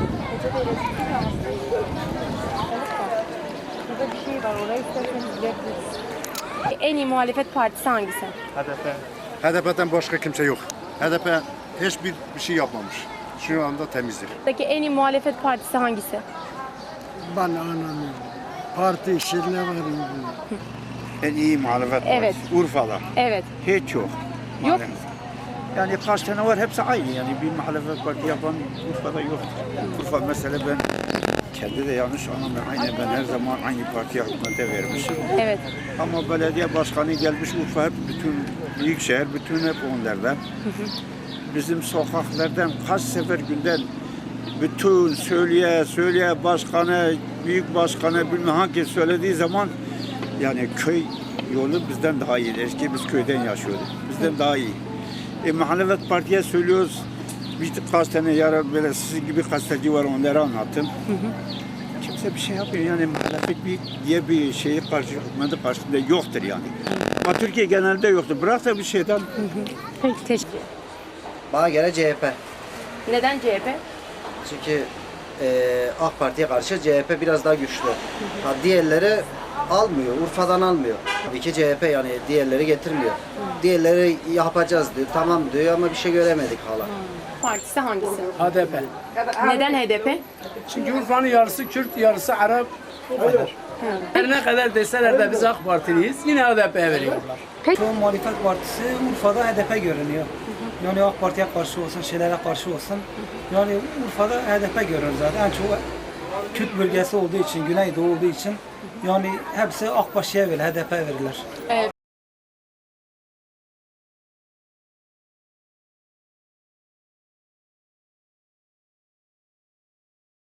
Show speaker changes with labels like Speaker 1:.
Speaker 1: Burada bir şey var, orayı isterseniz gidebiliriz. En iyi muhalefet partisi hangisi?
Speaker 2: HDP'den başka kimse yok. HDP hiçbir şey yapmamış. Şu anda temizdir.
Speaker 1: Buradaki en iyi muhalefet partisi hangisi?
Speaker 3: Ben anlamıyorum. Parti işlerine varayım.
Speaker 4: En iyi muhalefet
Speaker 1: Evet.
Speaker 4: partisi. Urfa'da.
Speaker 1: Evet.
Speaker 4: Hiç yok.
Speaker 1: Yok.
Speaker 4: Yani kaç tane var hepsi aynı yani bir muhalefet parti yapan Urfa'da yok. Urfa mesela ben kendi de yanlış anlamıyorum. Aynen ben her zaman aynı partiye hükümete vermişim.
Speaker 1: Evet.
Speaker 4: Ama belediye başkanı gelmiş Urfa hep bütün büyükşehir bütün hep onlardan. Bizim sokaklardan kaç sefer günden bütün söyleye başkanı, büyük başkanı bilmem hangi söylediği zaman yani köy yolu bizden daha iyi. Eski biz köyden yaşıyorduk. Bizden daha iyi. Muhalefet partiye söylüyoruz. Birkaç tane yarar böyle sizin gibi gazeteci var onları anlattım. Kimse bir şey yapmıyor yani muhalefet diye bir şeyi hükümeti karşısında yoktur yani. Ama Türkiye genelde yoktur. Bırak da bir şeyden.
Speaker 1: Peki, teşekkür.
Speaker 5: Bana göre CHP.
Speaker 1: Neden CHP?
Speaker 5: Çünkü AK Parti'ye karşı CHP biraz daha güçlü. Ha, diğerleri almıyor, Urfa'dan almıyor. Tabii ki CHP yani diğerleri getirmiyor. Diğerleri yapacağız diyor, tamam diyor ama bir şey göremedik hala.
Speaker 1: Partisi hangisi?
Speaker 6: HDP.
Speaker 1: Neden HDP?
Speaker 6: Çünkü Urfa'nın yarısı Kürt, yarısı Arap. O kadar. Her ne kadar deseler de biz AK Partiliyiz, yine HDP'ye veriyorlar.
Speaker 7: Şu an muhalefet partisi Urfa'da HDP görünüyor. Yani AK Parti'ye karşı olsun, şeylere karşı olsun. Yani Urfa'da HDP görünüyor zaten. En çok Kürt bölgesi olduğu için, Güneydoğu olduğu için yani hepsi AK Parti'ye verir, HDP verirler.